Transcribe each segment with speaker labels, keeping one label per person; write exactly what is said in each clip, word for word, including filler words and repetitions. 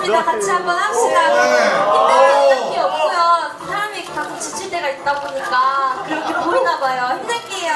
Speaker 1: 좋습니다. 같이 한번 합시다.
Speaker 2: 네.
Speaker 1: 힘들 게 없고요. 사람이 가끔 지칠 때가 있다 보니까 그렇게 보이나 봐요. 힘낼게요.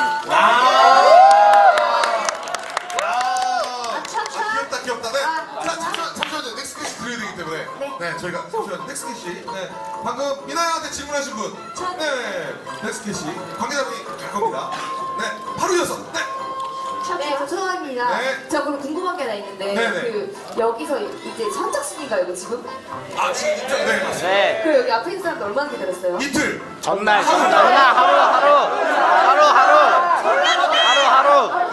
Speaker 2: 귀엽다 귀엽다. 네. 자 잠시만 잠시만요. 넥스트 캐시 드려야 되기 때문에. 네. 저희가 잠시만 넥스트 캐시. 네. 방금 미나양한테 질문하신 분. 네. 넥스트 캐시 관계자분이 갈 겁니다. 네. 바로 이어서. 네.
Speaker 3: 네, 저 초등학입니다.
Speaker 2: 네.
Speaker 3: 저 그럼 궁금한 게 하나 있는데
Speaker 2: 네네.
Speaker 3: 그 여기서 이제 선착순인가요, 이거 지금?
Speaker 2: 아 지금 입장. 네 맞습니다.
Speaker 4: 네.
Speaker 3: 그 여기 앞에 있는 사람들 얼마나 기다렸어요?
Speaker 2: 이틀.
Speaker 4: 전날 전날 하루 하루 하루 하루 하루 하루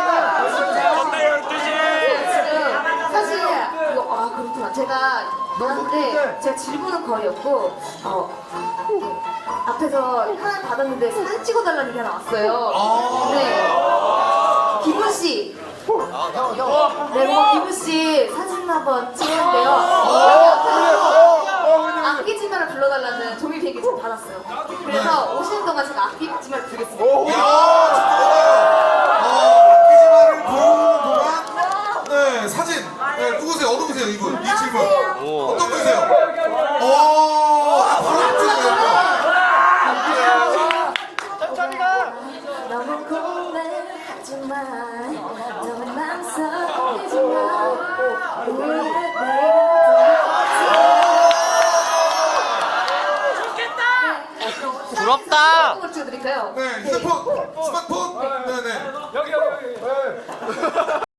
Speaker 3: 지금 사실 이거 아 그렇구나. 제가 왔는데 제가 질문은 거의 없고 어 이렇게 앞에서 하나 받았는데 사진 찍어달라는 게 하나 왔어요.
Speaker 2: 아.
Speaker 3: 네. 김우 씨. 네, 뭐 김우 씨 사진 한번 찍었는데요. 여기 앞에서 악기지마를 불러달라는 종이 비행기 지금 받았어요. 그래서 오시는 동안 제가 악기지마를 부르겠습니다.
Speaker 2: 이야 축하드려요. 어, 악기지마를 부르는 동안 네 사진. 네 누구세요? 어느 분이세요 이분? 이 질문.
Speaker 4: 오.
Speaker 2: 어떤 분이세요? 오. 아 바로 앞쪽이네요.
Speaker 3: 너무 궁금해하지만 너무 망설이지만 왜
Speaker 4: 부럽다.
Speaker 3: 내가 찍어드릴까요?
Speaker 2: 네, 휴대폰, 스마트폰,